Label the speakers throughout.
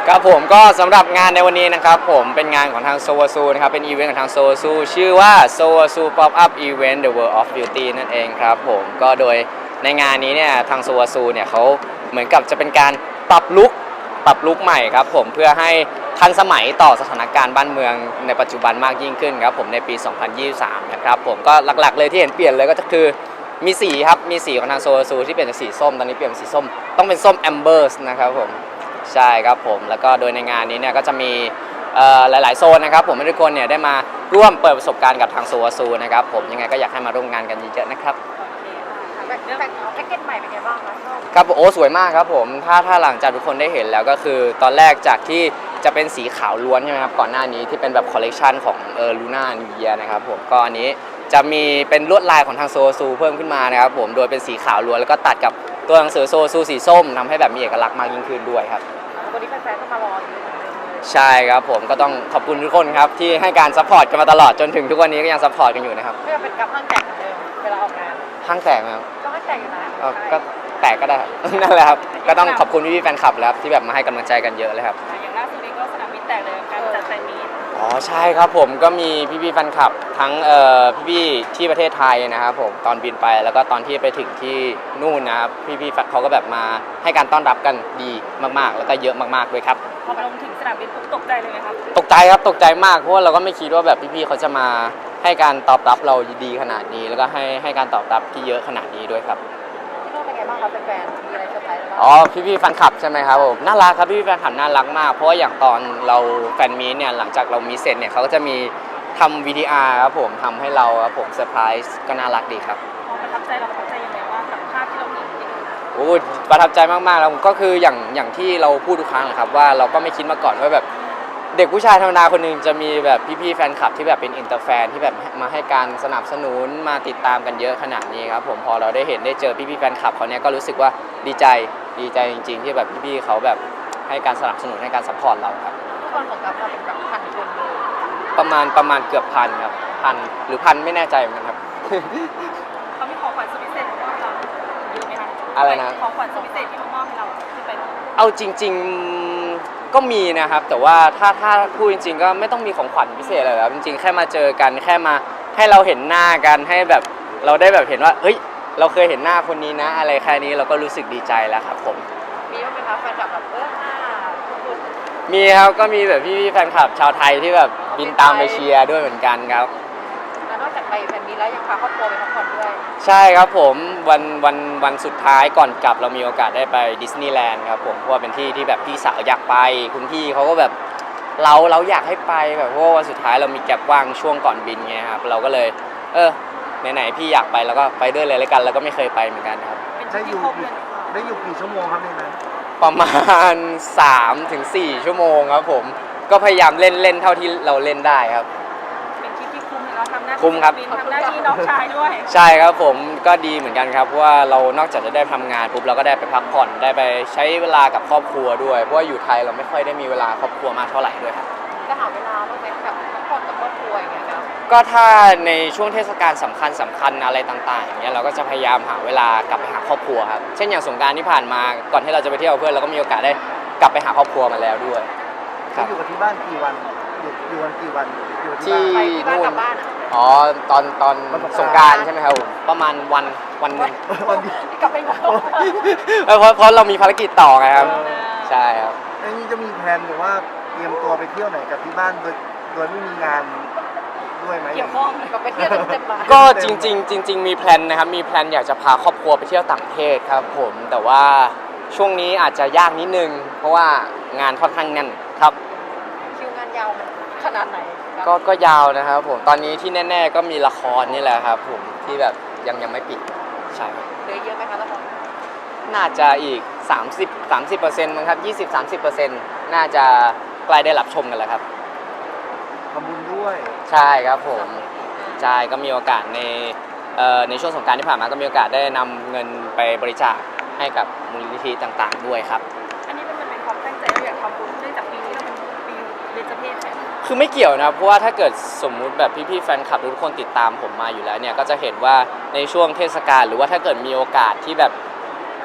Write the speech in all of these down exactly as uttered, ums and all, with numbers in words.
Speaker 1: ครับผมก็สำหรับงานในวันนี้นะครับผมเป็นงานของทางโซวาซูนะครับเป็นอีเวนต์ของทางโซวาซูชื่อว่าโซวาซูป๊อปอัพอีเวนต์ The World of Beauty นั่นเองครับผมก็โดยในงานนี้เนี่ยทางโซวาซูเนี่ยเขาเหมือนกับจะเป็นการปรับลุคปรับลุคใหม่ครับผมเพื่อให้ทันสมัยต่อสถานการณ์บ้านเมืองในปัจจุบันมากยิ่งขึ้นครับผมในปี สองพันยี่สิบสาม นะครับผมก็หลักๆเลยที่เห็นเปลี่ยนเลยก็คือมีสีครับมีสีของทางโซวาซูที่เปลี่ยนจากสีส้มตอนนี้เปลี่ยนเป็นสีส้มต้องเป็นส้มแอมเบอร์สนะครับผมใช่ครับผมแล้วก็โดยในงานนี้เนี่ยก็จะมีหลายๆโซนนะครับผมให้ทุกคนเนี่ยได้มาร่วมเปิดประสบการณ์กับทางโซวาซูนะครับผมยังไงก็อยากให้มาร่วมงานกันเยอะๆนะครับ
Speaker 2: แพ็กแพ็กเกจใหม่เป็นไงบ้างคะ
Speaker 1: ครับโอ้สวยมากครับผมถ้าถ้าหลังจากทุกคนได้เห็นแล้วก็คือตอนแรกจากที่จะเป็นสีขาวล้วนใช่ไหมครับก่อนหน้านี้ที่เป็นแบบคอลเลกชันของเออลูน่านิวเยียนะครับผมก็อันนี้จะมีเป็นลวดลายของทางโซวาซูเพิ่มขึ้นมานะครับผมโดยเป็นสีขาวล้วนแล้วก็ตัดกับตัวหนังสือโซวาซูสีส้มทำให้แบบมีเอกลักษณ์มากยิ่งขึ้นด้วยครับ
Speaker 2: วันนี้แฟนๆก็มารออยู่
Speaker 1: ใช่ครับผมก็ต้องขอบคุณทุกคนครับที่ให้การซัพพอร์ตกันมาตลอดจนถึงทุกวันนี้ก็ยังซัพพอร์ตกันอยู่นะครับ
Speaker 2: ไม่ว่าเป็นกับห้างแตกเหมือนเดิมเวลาออกงาน
Speaker 1: ห้างแตกไหมครับ
Speaker 2: ก็ห้างแตกอยู่นะ
Speaker 1: ก็แตกก็ได้นั่นแหละครับก็ต้องขอบคุณพี่ๆแฟนคลับแล้วที่แบบมาให้กำลังใจกันเยอะเลยครับ
Speaker 2: อย่างล่าสุดนี้ก็สนามบินแตกเลยการจัดแฟนมีต
Speaker 1: อ๋อใช่ครับผมก็มีพี่ๆแฟนคลับทั้งเอ่อพี่ๆที่ประเทศไทยนะครับผมตอนบินไปแล้วก็ตอนที่ไปถึงที่นู่นนะครับพี่ๆเขาก็แบบมาให้การต้อนรับกันดีมากๆแล้วก็เยอะมากๆด้วยครับ
Speaker 2: พอไปลงถึงสนามบินปุ๊บตกใจเลยไหมครับ
Speaker 1: ตกใจครับตกใจมากเพราะว่าเราก็ไม่คิดว่าแบบพี่ๆเขาจะมาให้การตอบรับเราดีขนาดนี้แล้วก็ให้ให้การตอบรับที่เยอะขนาดนี้ด้วยครับ
Speaker 2: ที่นู่นเป็นไงบ้างครับแฟนๆมีอะไรเซอร์ไพรส์บ้าง
Speaker 1: อ๋อพี่ๆแฟนคลับใช่ไหมครับผมน่ารักครับพี่ๆแฟนคลับน่ารักมากเพราะว่าอย่างตอนเราแฟนมีตเนี่ยหลังจากเรามีเสร็จเนี่ยเขาก็จะมีทำ วี ที อาร์ ครับผมทำให้เราครับผมเซอร์ไพรส์ก็น่ารักดีครับ
Speaker 2: ประทับใจเราประทับใจยังไงว่ากับภาพที่เราเห็น
Speaker 1: โอ้ประทับใจมากๆแล้วก็คืออย่างอย่างที่เราพูดทุกครั้งแหละครับว่าเราก็ไม่คิดมาก่อนว่าแบบเด็กผู้ชายธรรมดาคนหนึ่งจะมีแบบพี่ๆแฟนคลับที่แบบเป็นอินเตอร์แฟนที่แบบมาให้การสนับสนุนมาติดตามกันเยอะขนาดนี้ครับผมพอเราได้เห็นได้เจอพี่ๆแฟนคลับเขาเนี้ยก็รู้สึกว่าดีใจดีใจจริงๆที่แบบพี่ๆเขาแบบให้การสนับสนุนให้การซัพพอร์ตเราครับ
Speaker 2: ทุกคนของกับเราเป็นแบบพันคนเลย
Speaker 1: ประมาณประมาณเกือบพันครับพันหรือพันไม่แน่ใจเหมือนกันครับ
Speaker 2: เขามีของขวัญสุดพิเศษมอบให้เราเยอะไหมคะ
Speaker 1: อะไรนะ
Speaker 2: ของขวัญสุดพิเศษที่มอบให้เราที่เป็น
Speaker 1: เอาจริงๆก็มีนะครับแต่ว่าถ้าถ้าพูดจริงๆก็ไม่ต้องมีของขวัญพิเศษอะไรครับจริงๆแค่มาเจอกันแค่มาให้เราเห็นหน้ากันให้แบบเราได้แบบเห็นว่าเฮ้ยเราเคยเห็นหน้าคนนี้นะอะไรแค่นี้เราก็รู้สึกดีใจแล้วครับผม
Speaker 2: มีบ้างไหมคะแฟนคลับแบบเออหน้าคุณ
Speaker 1: มีครับก็มีแบบพี่ๆแฟนคลับชาวไทยที่แบบบินตามไปเชียร์ด้วยเหมือนกันครับ
Speaker 2: แล้วนอกจากไปแฟนมีแล้วยังพาครอบครัวไปพักผ่อนด้วย
Speaker 1: ใช่ครับผมวันวันวันสุดท้ายก่อนกลับเรามีโอกาสได้ไปดิสนีย์แลนด์ครับผมเพราะว่าเป็นที่ที่แบบพี่สาวอยากไปคุณพี่เขาก็แบบเราเราอยากให้ไปแบบเพราะว่าวันสุดท้ายเรามีแก็บว่างช่วงก่อนบินไงครับเราก็เลยเออไหนๆพี่อยากไปแล้วก็ไปด้วยเลยแล้วกันแล้วก็ไม่เคยไปเหมือนกันครับ
Speaker 2: ได้อยู่
Speaker 3: ได้อยู่กี่ชั่วโมงครับในนั้น
Speaker 1: ประมาณ สามถึงสี่ ชั่วโมงครับผมก็พยายามเล่นเล่นเท่าที่เราเล่นได้ครับ
Speaker 2: เป็นคลิปที่คุ้มเลยเราทำหน้าที่
Speaker 1: คุ้มครับ
Speaker 2: ทำหน้าที่น้องชายด้วย
Speaker 1: ใช่ครับผมก็ดีเหมือนกันครับเพราะว่าเรานอกจากจะได้ทำงานปุ๊บเราก็ได้ไปพักผ่อนได้ไปใช้เวลากับครอบครัวด้วยเพราะว่าอยู่ไทยเราไม่ค่อยได้มีเวลาครอบครัวมากเท่าไหร่ด้วยครับ
Speaker 2: จะหาเวลาบ้างไหมแบบพักผ่อนกับครอบครัวอย่างเงี้ยครับ
Speaker 1: ก็ถ้าในช่วงเทศกาลสำคัญสำคัญอะไรต่างๆอย่างเงี้ยเราก็จะพยายามหาเวลากลับไปหาครอบครัวครับเช่นอย่างสงกรานต์ที่ผ่านมาก่อนที่เราจะไปเที่ยวเพื่อนเราก็มีโอกาสได้กลับไปหาครอบครัวมาแล้วด้วย
Speaker 3: ครับอยู่กับที่บ้านกี่วันอยู่อยู่วันกี่วันอยู่
Speaker 1: ที่
Speaker 2: นู่น
Speaker 1: อ๋อตอนตอนสงกรานต์ใช่ไหมครับผมประมาณวันวันนึง
Speaker 3: วันดี
Speaker 2: กลับไปหมด
Speaker 1: เพราะเพราะเรามีภารกิจต่อไงครับใช่ครับ
Speaker 3: อันนี้จะมีแผนหรือว่าเตรียมตัวไปเที่ยวไหนกับที่บ้านโดยโดยไม่มีงานด้วยไหม
Speaker 2: เกี่ยวข้องกับไปเที่ยวเต็มๆบ้าน
Speaker 1: ก็จริงๆจริงๆมีแพลนนะครับมีแพลนอยากจะพาครอบครัวไปเที่ยวต่างประเทศครับผมแต่ว่าช่วงนี้อาจจะยากนิดนึงเพราะว่างานค่อนข้างแน่นครับ
Speaker 2: คิวงานยาวมันขนาดไหน
Speaker 1: ก็ก็ยาวนะครับผมตอนนี้ที่แน่ๆก็มีละครนี่แหละครับผมที่แบบยังยังไม่ปิดใช่
Speaker 2: เหลือเยอะไหมคะละคร
Speaker 1: น่าจะอีกสามสิบ สามสิบเปอร์เซ็นต์มั้งครับ ยี่สิบ สามสิบเปอร์เซ็นต์ น่าจะใกล้ได้รับชมกันแล้วครับ
Speaker 3: ทำบุญด้วย
Speaker 1: ใช่ครับผมใช่ก็มีโอกาสในเอ่อในช่วงสงกรานต์ที่ผ่านมาก็มีโอกาสได้นำเงินไปบริจาคให้กับมูลนิธิต่างๆด้วยครับ
Speaker 2: อันนี้มันเป็นความตั้งใจเราอยากทำบุญเนื่องจากปีนี้เราเป็นปีเบญจเพสใช่ไหม
Speaker 1: คือไม่เกี่ยวนะเพราะว่าถ้าเกิดสมมุติแบบพี่ๆแฟนคลับทุกคนติดตามผมมาอยู่แล้วเนี่ยก็จะเห็นว่าในช่วงเทศกาลหรือว่าถ้าเกิดมีโอกาสที่แบบ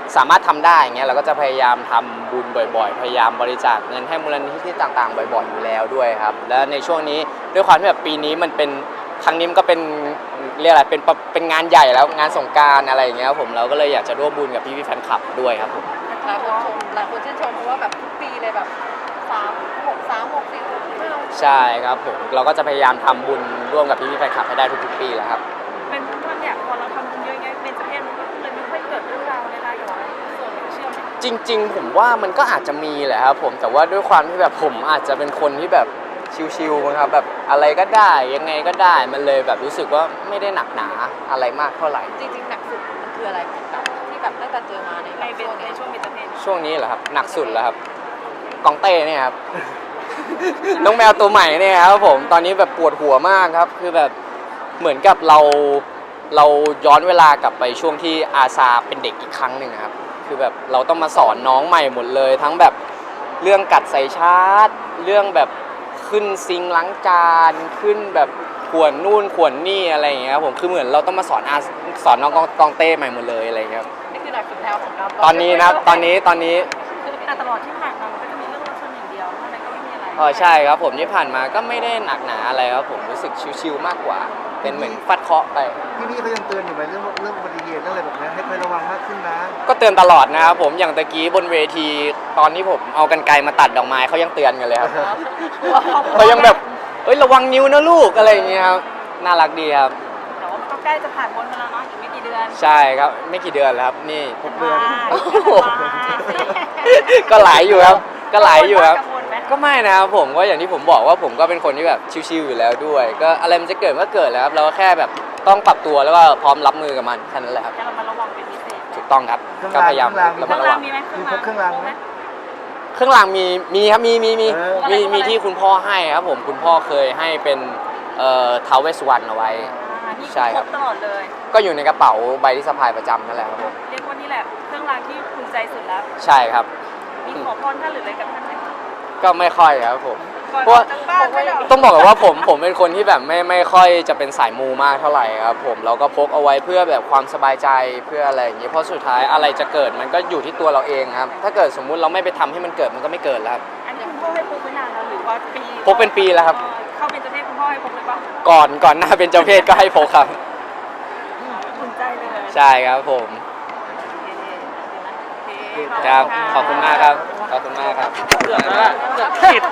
Speaker 1: สามารถทำได้อย่างเงี้ยเราก็จะพยายามทำบุญบ่อยๆ พยายามบริจาคเงินให้มูลนิธิต่างๆ บ่อยๆอยู่แล้วด้วยครับและในช่วงนี้ด้วยความที่แบบปีนี้มันเป็นครั้งนี้มันก็เป็นเรียกอะไรเป็นเป็นงานใหญ่แล้วงานสงกรานต์อะไรอย่างเงี้ยครับผมเราก็เลยอยากจะร่วมบุญกับพี่ๆแฟนคลับด้วยครับผม
Speaker 2: หลายคนชมหลายคนชื่นชมเพราะว่าแบบทุกปีเลยแบบสามหกสามหกสี่ไม่ลง
Speaker 1: ใช่ครับผมเราก็จะพยายามทำบุญร่วมกับพี่ๆแฟนคลับให้ได้ทุกๆปีแหละครับ
Speaker 2: เป็นท่านเนี่ยพอเราทำบุญเยอะแยะเป็นประเทศมันก็เลยไม่ค่อยเกิดเรื่องราวในรายย้อนส่วนเชื่อไหม
Speaker 1: จริงๆผมว่ามันก็อาจจะมีแหละครับผมแต่ว่าด้วยความที่แบบผมอาจจะเป็นคนที่แบบชิลๆมั้งครับแบบอะไรก็ได้ยังไงก็ได้มันเลยแบบรู้สึกว่าไม่ได้หนักหนาอะไรมากเท่าไหร่
Speaker 2: จริงๆหนักสุดมันคืออะไรแบบที่แบบตั้งแต่เจอมาในในเป็นในช่วงเป็นประเทศ
Speaker 1: ช่วงนี้เหรอครับหนักสุดแล้วครับกองเต้เนี่ยครับ น้องแมวตัวใหม่เนี่ยครับผมตอนนี้แบบปวดหัวมากครับคือแบบเหมือนกับเราเราย้อนเวลากลับไปช่วงที่อาซาเป็นเด็กอีกครั้งหนึ่งครับคือแบบเราต้องมาสอนน้องใหม่หมดเลย ทั้งแบบเรื่องกัดใส่ชาร์จเรื่องแบบขึ้นซิงค์ล้างจานขึ้นแบบขวนนู่นขวนนี่อะไรอย่างเงี้ยครับผมคือเหมือนเราต้องมาสอนอาสอนน้องกองเต้ใหม่หมดเลยอะไรอย่างเงี้ยครับ
Speaker 2: นี่คือหนักสุดแล้วของเรา
Speaker 1: ตอนนี้นะครับตอนนี้ตอนนี้
Speaker 2: แต่ตลอดที่ผ่านมามันก็จะมีเรื่องรถชนอย่างเดียวเท่านั้นก็ไม่มีอะไร
Speaker 1: อ๋อใช่ครับผมที่ผ่านมาก็ไม่ได้หนักหนาอะไรครับผมรู้สึกชิวๆมากกว่า เป็นเหมือนฟัดเคราะห์ไป
Speaker 3: พี่ๆเขายังเตือนอยู่ไหมเรื่องเรื่องอุบัติเหตุเรื่องอะไรแบบนี้ให้คอยระวังมากขึ้นนะ
Speaker 1: ก็เตือนตลอดนะครับผมอย่างตะกี้บนเวทีตอนที่ผมเอากรรไกรมาตัดดอกไม้เขายังเตือนกันเลยครับเขายังแบบเอ้ยระวังนิ้วนะลูกอะไรอย่างเงี้ยครับน่ารักดีครับ
Speaker 2: แต่ว่ามันก็ใกล้จะผ่านพ้นมาแล้วเนาะอีกไม่กี่เดือน
Speaker 1: ใช่ครับไม่กี่เดือนแล้วครับนี่
Speaker 3: หกเดือน
Speaker 1: โอ้โห ก็หลายอยู่ครับก็หลายอยู่ครับ
Speaker 2: กังวลไหม
Speaker 1: ก็ไม่นะครับผมก็อย่างที่ผมบอกว่าผมก็เป็นคนที่แบบชิวๆอยู่แล้วด้วย ก็อะไรมันจะเกิดก็เกิดแล้วครับเราก็แค่แบบต้องปรับตัวแล้วก็พร้อมรับมือกับมันแค่นั้นแหละครับ
Speaker 2: จะระมัดระวังเป็นพิเศษ
Speaker 1: ถูกต้องครับ
Speaker 3: เครื่อง
Speaker 1: ก็
Speaker 3: ราง
Speaker 1: พยายาม
Speaker 3: เครื่องราง
Speaker 1: ระมัดระวัง
Speaker 2: มีไหม
Speaker 3: มีครบเครื่องรางไหม
Speaker 1: เครื่องรางมีมีครับมีมีมี
Speaker 3: เออ
Speaker 1: มี
Speaker 2: อะไร
Speaker 1: มีที่คุณพ่อให้ครับผมคุณพ่อเคยให้เป็นเอ่อท้าวเวสสวรรณเอาไว้
Speaker 2: อ่านี่
Speaker 1: ใช่ครับ
Speaker 2: ตลอดเลย
Speaker 1: ก็อยู่ในกระเป๋าใบที่สะพายประจำนั่นแหละครับผม
Speaker 2: เรียกว่านี่แหละเครื่องรางที่ภูมิใจสุดแล้ว
Speaker 1: ใช่ครับ
Speaker 2: มีขอพรท่านหรืออะไรกับท่านไหม
Speaker 1: ก็ไม่ค่อยครับผม
Speaker 2: ก่อน
Speaker 1: เพราะ
Speaker 2: ออกจากบ้านไม่ได้
Speaker 1: ต้องบอกก่อนว่าผมผมเป็นคนที่แบบไม่ไม่ค่อยจะเป็นสายมูมากเท่าไหร่ครับผมเราก็พกเอาไว้เพื่อแบบความสบายใจเพื่ออะไรอย่างเงี้ยเพราะสุดท้ายอะไรจะเกิดมันก็อยู่ที่ตัวเราเองครับถ้าเกิดสมมุติเราไม่ไปทำให้มันเกิดมันก็ไม่เกิดแล้วครับ
Speaker 2: อันนี้คุณพ่อให้พกไว้นานแล้วหรือว่าปี
Speaker 1: พกเป็นปีแล้วครับ
Speaker 2: เอ่อเข้าเป็นเจ้าเพศคุณพ่อให้พกเลยปะ
Speaker 1: ก่อนก่อนหน้าเป็นเจ้าเพศก็ให้พกครับ
Speaker 2: ภูมิใจเลย
Speaker 1: ใช่ครับผม
Speaker 2: โอเค
Speaker 1: ครับขอบคุณมากครับขอบคุณมากครับ
Speaker 4: เกือบแล้วล่ะเกือบผิด